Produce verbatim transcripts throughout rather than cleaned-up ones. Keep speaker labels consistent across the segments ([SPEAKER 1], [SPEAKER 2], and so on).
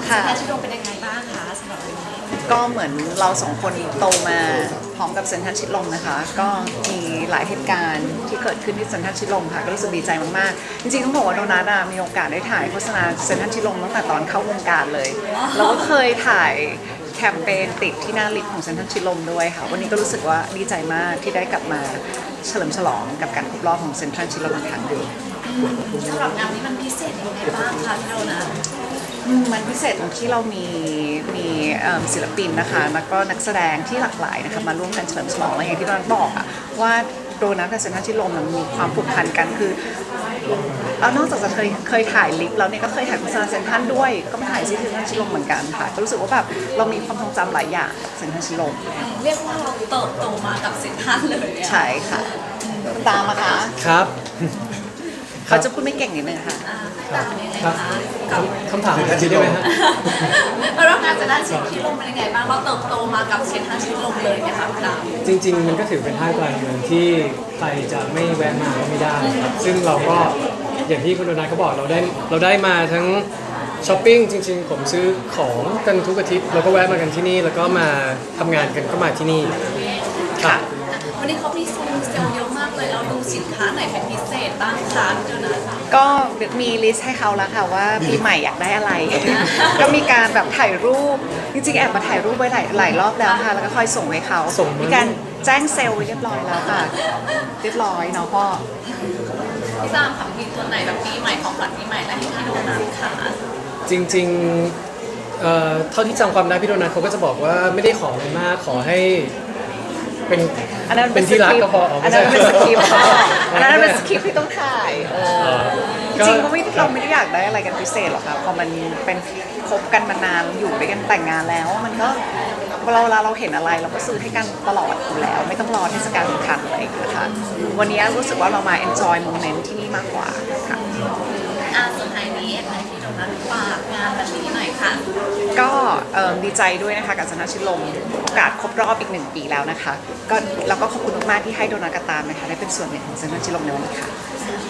[SPEAKER 1] ค่ะแพทย์ชิโดเป็นยังไงบ้างคะสำหรับวันนี้
[SPEAKER 2] ก็เหมือนเราสองคนโตมาพร้อมกับเซ็นทรัลชิดลมนะคะก็มีหลายเหตุการณ์ที่เกิดขึ้นที่เซ็นทรัลชิดลมค่ะก็รู้สึกดีใจมากๆจริงๆต้องบอกว่าโดนัทอะมีโอกาสได้ถ่ายโฆษณาเซ็นทรัลชิดลมตั้งแต่ตอนเข้าวงการเลยเราก็เคยถ่ายแคมเปญติดที่หน้าลิฟต์ของเซ็นทรัลชิดลมด้วยค่ะวันนี้ก็รู้สึกว่าดีใจมากที่ได้กลับมาเฉลิมฉลองกับการครบรอบของเซ็นทรัลชิดลมอีกครั้งหนึ่ง
[SPEAKER 1] สำหรับงานนี้มันพิเศษยังไงบ้างคะพี่โดนัท
[SPEAKER 2] มันพิเศษตรงที่เรามีมีศิลปินนะคะแล้วก็นักแสดงที่หลากหลายนะคะมาร่วมกันเฉลิมฉลองอะไรอย่างที่เราบอกอะว่าโดนัทกับเซ็นทรัลชิดลมมีความผูกพันกันคือเรานอกจากจะเคยเคยถ่ายลิฟต์แล้วเนี่ยก็เคยถ่ายโฆษณาเซ็นทรัลด้วยก็มาถ่ายที่เซ็นทรัลชิดลมเหมือนกันค่ะก็รู้สึกว่าแบบเรามีความทรงจำหลายอย่างกับเซ็นทรัลชิดลม
[SPEAKER 1] เรียกว่าเราเติบโตมากับเซ็นทรัลเลย
[SPEAKER 2] ใช่ค่ะตามมาคะ
[SPEAKER 3] ครับ
[SPEAKER 2] เขาจะพูดไม่เก่งนิดนึงค่ะ
[SPEAKER 1] ตามยังไงคะกับ
[SPEAKER 3] คำถามอีกทีได้ไหมฮะ
[SPEAKER 1] เรางานจะได้เซ็นทรัลชิดลมเป็นยังไงบ้างเราเติบโตมากับเซ็นทรัลชิดลมเลยไหมคะพี่ดาว
[SPEAKER 3] จริงๆมันก็ถือเป็นห้างกลางเมืองที่ใครจะไม่แวะมาก็ไม่ได้ครับซึ่งเราก็อย่างที่คุณโดนัทเขาบอกเราได้เราได้มาทั้งช้อปปิ้งจริงๆผมซื้อของกันทุกอาทิตย์เราก็แวะมากันที่นี่แล้วก็มาทำงานกันก็มาที่นี่ค่ะ
[SPEAKER 1] วันนี้เขามีโซนเซลล์เยอะมากเลยเราดูสินค้าไหนเป็นพิเศษบ้างคะพี่โดนัท
[SPEAKER 2] ก็มีลิสต์ให้เขาแล้วค่ะว่าปีใหม่อยากได้อะไร ก็มีการแบบถ่ายรูปจริงๆแอบมาถ่ายรูปไว้หลายหลายรอบแล้วค่ะแล้วก็ค่อยส่งให้เขามีการแจ้งเซลล์ไว้เรียบร้อยแล้วค่ะเรียบร้อยเนาะพ่อ
[SPEAKER 1] พี่ตามค่ะมีตัวไหนแบบปีใหม่ของขวัญปีใหม่และให้พี่โดนัทค่ะ
[SPEAKER 3] จริงๆเอ่อเท่าที่จำความได้พี่โดนัทเขาก็จะบอกว่าไม่ได้ขออะไรมากขอให้เป็น
[SPEAKER 2] อันนั้น
[SPEAKER 3] เป็นที่รักก็พอ
[SPEAKER 2] อันนั้นเป็นสคริปต์อันนั้นเป็นสคริปต์ที่ต้องถ่ายจริงๆก็ไม่เราไม่ได้อยากได้อะไรกันพิเศษหรอกค่ะพอมันเป็นคบกันมานานอยู่ด้วยกันแต่งงานแล้วมันก็เราเวลาเราเห็นอะไรเราก็ซื้อให้กันตลอดอยู่แล้วไม่ต้องรอเทศกาลสำคัญอะไรอย่างเงี้ยค่ะวันนี้รู้สึกว่าเรามา enjoy moment ที่นี่มากกว่าค่ะ
[SPEAKER 1] อ่าสุดท้ายนี้ให้พี่โดนัทฝากงานแบบนี้หน่อยค่ะ
[SPEAKER 2] ก็ดีใจด้วยนะคะกับเซ็นทรัลชิดลมโอกาสครบรอบอีกหนึ่งปีแล้วนะคะก็แล้วก็ขอบคุณมากๆที่ให้โดนัทกับตามนะคะได้เป็นส่วนหนึ่งของเซ็นทรัลชิดลมในวันนี้ค่ะ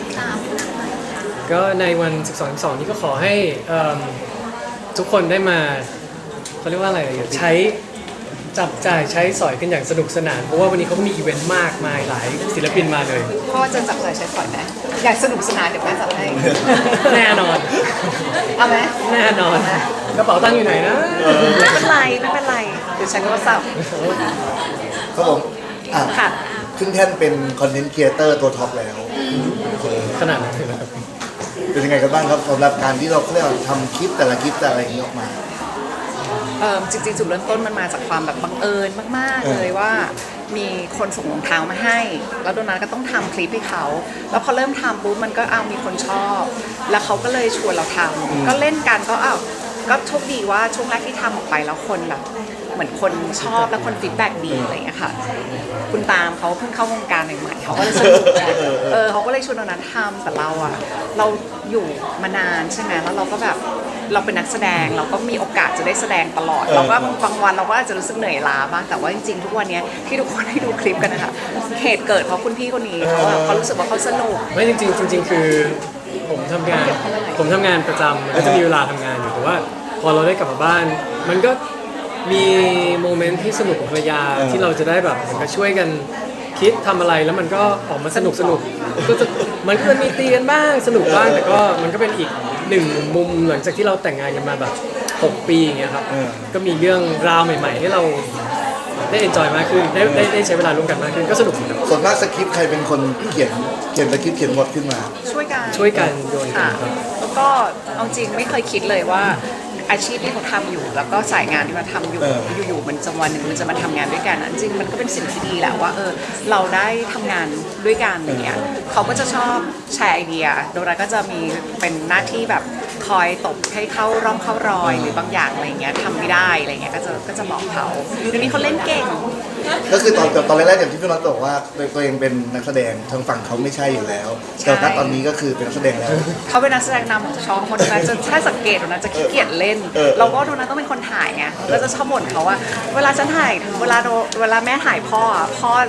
[SPEAKER 3] ก็ในวันสิบสอง สิบสองนี้ก็ขอให้ทุกคนได้มาเขาเรียกว่าอะไรใช้จับจ่ายใช้สอยกันอย่างสนุกสนานเพราะว่าวันนี้เขามีอีเวนต์มากมายหลายศิลปินมาเลย
[SPEAKER 2] พ่อจะจับจ่ายใช้สอยไหมอยากสนุกสนานเดี๋ยวแม่จัดให้
[SPEAKER 3] แน่นอน
[SPEAKER 2] เอาไหม
[SPEAKER 3] แน่นอนกระเป๋าตังค์อยู่ไหนนะ
[SPEAKER 2] ไม่เป็นไรไม่เป็นไรเดี๋ยวฉันก็สับ
[SPEAKER 4] ครับผมค่ะขึ้นแท่นเป็นคอนเทนต์ครีเอเตอร์ตัวท็อปแล้ว
[SPEAKER 3] ขนาดนั้นเลยครับ
[SPEAKER 4] เป็นยังไงกันบ้างครับสำหรับการที่เราเรียกว่าทำคลิปแต่ละคลิปแต่อะไรอย่างนี้ออกมา
[SPEAKER 2] จริงๆจุดเริ่มต้นมันมาจากความแบบบังเอิญมากๆเลยว่ามีคนส่งรองเท้ามาให้แล้วโดนัทก็ต้องทำคลิปให้เขาแล้วพอเริ่มทำปุ๊บมันก็เอามีคนชอบแล้วเขาก็เลยชวนเราทำก็เล่นกันก็อ้าวก็โชคดีว่าช่วงแรกที่ทำออกไปแล้วคนแบบเหมือนคนชอบแล้วคนฟีดแบ็กดีอะไรอย่างเงี้ยค่ะคุณตามเขาเพิ่งเข้าวงการใหม่ๆเขาก็เลยสนุกเออเขาก็เลยชวนโดนัททำแต่เราอะเราอยู่มานานใช่ไหมแล้วเราก็แบบเราเป็นนักแสดงเราก็มีโอกาสจะได้แสดงตลอดเราก็บางวันเราก็อาจจะรู้สึกเหนื่อยล้าบ้างแต่ว่าจริงๆทุกวันนี้ที่ทุกคนให้ดูคลิปกันนะคะเหตุเกิดเพราะคุณพี่คนนี้เขาเขารู้สึกว่าเขาสนุก
[SPEAKER 3] ไม่จริงๆจริงๆคือผมทำงานผมทำงานประจำก็จะมีเวลาทำงานอยู่แต่ว่าพอเราได้กลับมาบ้านมันก็มีโมเมนต์ที่สนุกกับภรรยาที่เราจะได้แบบเหมือนกับช่วยกันคิดทำอะไรแล้วมันก็ออกมาสนุกสนุกก็จะมันก็มีตีกันบ้างสนุกบ้างแต่ก็มันก็เป็นอีกหนึ่งมุมหลังจากที่เราแต่งงานกันมาแบบหกปีอย่างเงี้ยครับก็มีเรื่องราวใหม่ๆให้เราได้เอนจอยมากขึ้นได้ได้ได้ใช้เวลาร่วมกันมากขึ้นก็สนุกครับ
[SPEAKER 4] ส่วนมากสคริปต์ใครเป็นคนเขียนเขียนสคริปต์เขียนบทขึ้นมา
[SPEAKER 2] ช่วยกัน
[SPEAKER 3] ช่วยกันโยนกันครับ
[SPEAKER 2] แล้วก็เอาจริงไม่เคยคิดเลยว่าอาชีพที่เขาทำอยู่แล้วก็สายงานที่เราทำอยู่อยู่ๆมันจะวันหนึ่งมันจะมาทำงานด้วยกันจริงมันก็เป็นสิ่งที่ดีแหละว่าเออเราได้ทำงานด้วยกันอะไรเงี้ยเขาก็จะชอบแชร์ไอเดียโดยเราก็จะมีเป็นหน้าที่แบบคอยตบให้เข้าร่องเข้ารอยหรือบางอย่างอะไรเงี้ยทำไม่ได้อะไรเงี้ยก็จะก็จะบอกเขาเดี๋ยวนี้เขาเล่นเก่ง
[SPEAKER 4] ก็คือตอนตอนแรกๆอย่างที่พี่น็อตบอกว่าตัวเองเป็นนักแสดงทางฝั่งเขาไม่ใช่อยู่แล้วแต่ณตอนนี้ก็คือเป็นนักแสดงแล้ว
[SPEAKER 2] เขาเป็นนักแสดงนำของช่องคนนั้นจะถ้าสังเกตนะจะขี้เกียจเล่นเราก็โดนัทต้องเป็นคนถ่ายไงก็จะชอบบ่นเขาว่าเวลาฉันถ่ายเวลาเวลาแม่ถ่ายพ่อพ่อ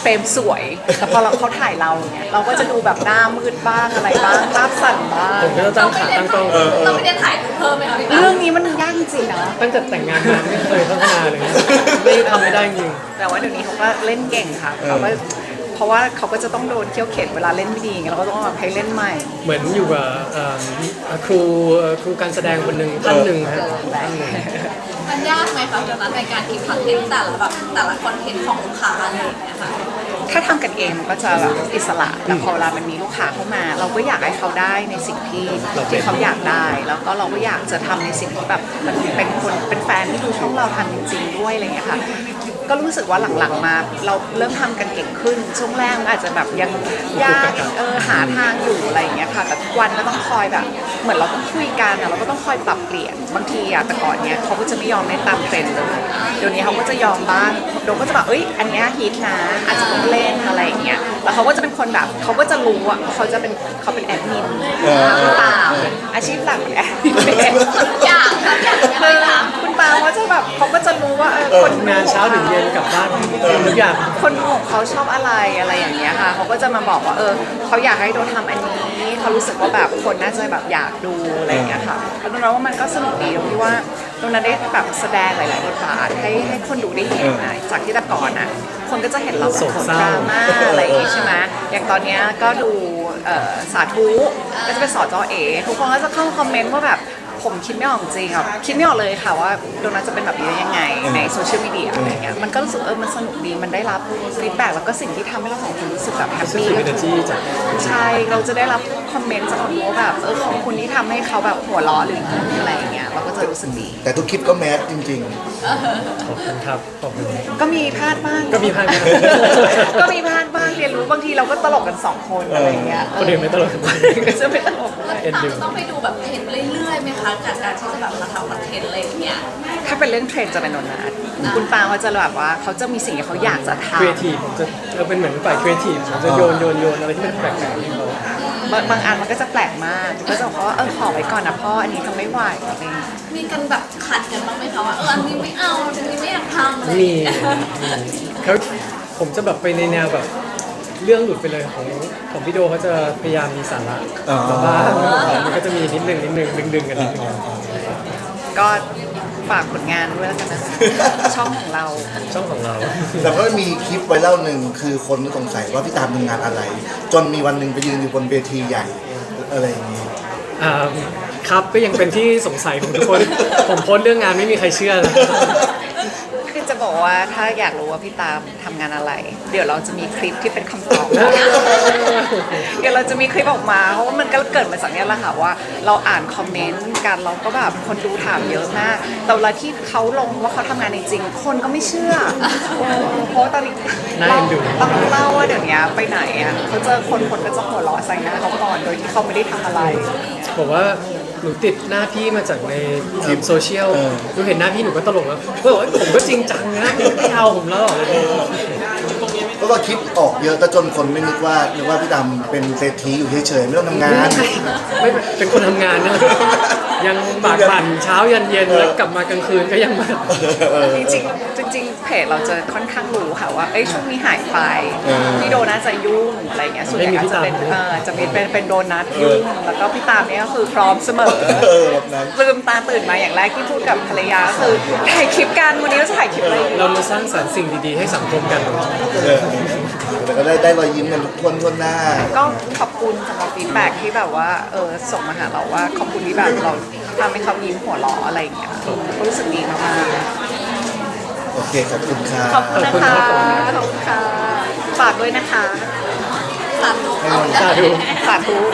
[SPEAKER 2] เฟรมสวยแต่พอเราเขาถ่ายเราเนี่ยเราก็จะดูแบบหน้ามืดบ้างอะไรบ้างภาพสั่นบ้าง
[SPEAKER 3] ผมก็จะตั้งขาตั้งกล้อง
[SPEAKER 1] เราไม่ได้ถ่ายรูปเพิ่มไหมคะพี่ตา
[SPEAKER 2] เรื่องนี้มันยากจริงๆนะ
[SPEAKER 3] ตั้งแต่แต่งงานมาไม่เคยพัฒนาเลยนะไม่ทำไม่ได้จริง
[SPEAKER 2] แต่ว่าเดี๋ยวนี้เขาก็เล่นเก่งค่ะเขาก็เพราะว่าเขาก็จะต้องโดนเคี่ยวเข็นเวลาเล่นไม่ดีไงเราก็ต้องแบบให้เล่นใหม่
[SPEAKER 3] เหมือนอยู่กับเอ่อครูเอ่อครูการแสดงคนหนึ่งท่านหนึ่งฮะท่านหนึ่ง
[SPEAKER 1] มันยากไหมคะตอนนั้นในการคิดคอนเทนต์แต่ละแบบแต่ละคอนเทนต์ของลูกค้าอะไรอย่างเงี้ยค่ะ
[SPEAKER 2] ถ้าทำกันเองมันก็จะแบบอิสระแต่พอเวลามันมีลูกค้าเข้ามา เราก็อยากให้เขาได้ในสิ่งที่ที่เขาอยากได้ แล้วก็เราก็อยากจะทำในสิ่งที่แบบมันเป็นคนเป็นแฟนที่ดูช่องเราทำจริงๆด้วยอะไรเงี้ยค่ะก็รู้สึกว่าหลังๆมาเราเริ่มทำกันเก่งขึ้นช่วงแรกมันอาจจะแบบยังยากเออหาทางอยู่อะไรอย่างเงี้ยค่ะแต่ทุกวันก็ต้องคอยแบบเหมือนเราต้องคุยกันอะเราก็ต้องคอยปรับเปลี่ยนบางทีอะแต่ก่อนเนี้ยเขาก็จะไม่ยอมเล่นตามเทรนด์เลยเดี๋ยวนี้เขาก็จะยอมบ้างโดก็จะแบบเอ้ยอันเนี้ยฮิตนะอาจจะต้องเล่นอะไรอย่างเงี้ยแล้วเขาก็จะเป็นคนแบบเขาก็จะรู้อะเขาจะเป็นเขาเป็นแอดมินคุณปาอาชีพหลักเป็นแอดมิน
[SPEAKER 1] อยากทำอย่าง
[SPEAKER 2] คื
[SPEAKER 1] ไร
[SPEAKER 2] อ
[SPEAKER 1] คะ
[SPEAKER 2] คุณปาเขาจะแบบเขาก็จะรู้ว่าเออคนดู
[SPEAKER 3] งานเช้าถึงเย็นกลับบ้านทุกอย่าง
[SPEAKER 2] คนดูของเขาชอบอะไรอะไรอย่างเงี้ยค่ะเขาก็จะมาบอกว่าเออเขาอยากให้โดนทำอันนี้เขารู้สึกว่าแบบคนน่าจะแบบอยากดูอะไรอย่างเงี้ยค่ะแล้วตรงนั้นว่ามันก็สนุกดีตรงที่ว่าตรงนั้นได้แบบแสดงหลายๆบทบาทให้ให้คนดูได้เห็นนะจากที่แต่ก่อนอ่ะคนก็จะเห็นเราเป็นคนดราม่าอะไรอย่างงี้ใช่ไหมอย่างตอนเนี้ยก็ดูเอ่อสาธุก็จะเป็นสอจอเอทุกคนก็จะเข้ามาคอมเมนต์ว่าแบบผมคิดไม่ออกจริงอ่ะคิดไม่ออกเลยค่ะว่าโดนัทจะเป็นแบบนี้ได้ยังไงในโซเชียลมีเดียอะไรเงี้ยมันก็รู้สึกเออมันสนุกดีมันได้รับฟีดแบ็กแล้วก็สิ่งที่ทำให้เราสองคนรู้สึกแบบแฮปปี้
[SPEAKER 3] positive energy จาก
[SPEAKER 2] ใช่เราจะได้รับคอมเมนต์จากคนว่าแบบเออขอบคุณที่ทำให้เขาแบบหัวเราะหรืออะไรอย่างเงี้ยเราก็จะรู้สึกดี
[SPEAKER 4] แต่ทุกคลิปก็แมสจริง
[SPEAKER 3] ขอบคุณครับขอบคุณ
[SPEAKER 2] ก็มีพลาดบ้าง
[SPEAKER 3] ก็มีพลาดบ้าง
[SPEAKER 2] ก็มีพลาดบ้างเรียนรู้บางทีเราก็ตลกกันสองคนอะไรอย่างเงี้ย
[SPEAKER 3] คนอื่นไม่ตลก
[SPEAKER 2] คนอื่นก็จะไม่ตลกด้วย
[SPEAKER 3] เอ็นดู
[SPEAKER 1] ต้องไปดูแบบเทรนด์เรื่อยๆไหมคะจากการที่จะแบบมาทำคอนเทนต์อะไรอย่างเงี้ย
[SPEAKER 2] ถ้าเป็นเรื่องเทรนด์จะเป็นโดนัทคุณปาเขาจะแบบว่าเขาจะมีสิ่งที่เขาอยากจะทำ
[SPEAKER 3] ครีเอทีฟผมจะเราเป็นเหมือนฝ่ายครีเอทีฟผมจะโยนโยนโยนอะไรที่มันแปลกๆให้เขา
[SPEAKER 2] บางบางอันมันก็จะแปลกมากก็จะบอกว่าเออขอไว้ก่อนนะพ่ออันนี้ทำไม่ไหวอะไรอย่างเงี้ย
[SPEAKER 1] มีกันแบบขัดกันบ้างไหมคะว่าเอออันนี้ไม่เอาอันนี้ไม่อยากทำอะไร
[SPEAKER 3] มีเขาผมจะแบบไปในแนวแบบเรื่องหลุดไปเลยของของพี่โดเขาจะพยายามมีสาระ
[SPEAKER 4] อ๋อ
[SPEAKER 3] แต่ว่ามันก็จะมีนิดนึงนิดนึงดึงดึงๆกันนิดนึง
[SPEAKER 2] ก็ฝากผลงานด้วยแล้วกันนะคะช่องของเรา
[SPEAKER 3] ช่องของเรา
[SPEAKER 4] ๆ แต่ก็มีคลิปไวรัลหนึ่งคือคนสงสัยว่าพี่ตามทำงานอะไร จนมีวันหนึ่งไปยืนอยู่บนเวทีใหญ่อะไรอย่างนี้
[SPEAKER 3] อ่าครับก็ยังเป็นที่สงสัยของทุกคน ผมโพสต์เรื่องงานไม่มีใครเชื่อเลย
[SPEAKER 2] คือจะบอกว่าถ้าอยากรู้ว่าพี่ตามทำงานอะไร เดี๋ยวเราจะมีคลิปที่เป็นคำตอบ เดี๋ยวเราจะมีคลิปออกมาเพราะว่ามันก็เกิดมาจากเนี้ยแหละค่ะว่าเราอ่านคอมเมนต์กันเราก็แบบคนดูถามเยอะมากแต่เวลาที่เขาลงว่าเขาทำงานจริงๆคนก็ไม่เชื่อเออเพราะว่าตอนนี้
[SPEAKER 3] น่า
[SPEAKER 2] เรา
[SPEAKER 3] เอ็นดู
[SPEAKER 2] ต้องเล่าว่าเดี๋ยวนี้ไปไหนอ่ะเขาเจอคนคนก็จะหัวเราะใส่หน้าเขาก่อนโดยที่เขาไม่ได้ทำอะไร
[SPEAKER 3] บอกว่าหนูติดหน้าพี่มาจากในคลิปโซเชียล
[SPEAKER 4] เออ
[SPEAKER 3] หนูเห็นหน้าพี่หนูก็ตลกแล้วก็บอกว่าผมก็จริงจังนะไม่เอาผมแล้วเหรอ
[SPEAKER 4] เพราะว่าคลิปออกเยอะก็จนคนไม่นึกว่านึกว่าพี่ตามเป็นเศรษฐีอยู่เฉยๆไม่ต้องทำงาน
[SPEAKER 3] ไม่เป็นคนทำงานนะยังบากบั่นเช้ายันเย็นแล้วกลับมากลางคืนก็ยังมา
[SPEAKER 2] จริงๆจริงๆเพจเราจะค่อนข้างรู้ค่ะว่าเอ้ยช่วงนี้หายไป
[SPEAKER 4] เออ
[SPEAKER 2] พี่โดนัทจะยุ่งอะไรเงี้ยส่วนใหญ่
[SPEAKER 3] ไม่มี
[SPEAKER 2] อาจ
[SPEAKER 3] พี่
[SPEAKER 2] จะ
[SPEAKER 3] ตาม
[SPEAKER 2] เป็นเออจะมีเป็นเป็นโดนัทยุ่งแล้วก็พี่ตามเนี่ยก็คือพร้อมเสมอ
[SPEAKER 4] เออแบบนั้น
[SPEAKER 2] ลืมตาตื่นมาอย่างแรกที่พูดกับภรรยาก็คือถ่ายคลิปกันวันนี้เราจะถ่ายคลิปอะไรดี
[SPEAKER 3] เรามาสร้างสรรค์สิ่งดีๆให้สังคมกัน
[SPEAKER 4] เออแต่ก็ได้ได้รอยยิ้มกันทวนทวนหน้า
[SPEAKER 2] ก็ขอบคุณสำหรับฟีดแบ็กที่แบบว่าเออส่งมาหาเราว่าขอบคุณที่แบบเราทำให้เขายิ้มหัวเราะอะไรอย่างเงี้ยก็รู้สึกดีมากๆ
[SPEAKER 4] โอเค ขอบคุณค่ะ
[SPEAKER 2] ขอบคุณนะคะ ขอบคุณค่ะ ฝากด้วยนะคะ
[SPEAKER 1] สามลูกเอา
[SPEAKER 3] สาธุ
[SPEAKER 2] สาธุ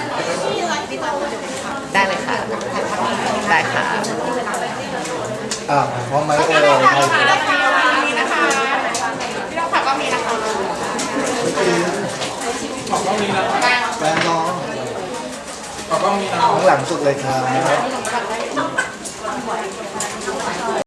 [SPEAKER 2] ได้เลยค่ะ ได้ค่ะ
[SPEAKER 4] อ่าพร้อมไหมเออแฟนน้องข้างหลังสุดเลยครับ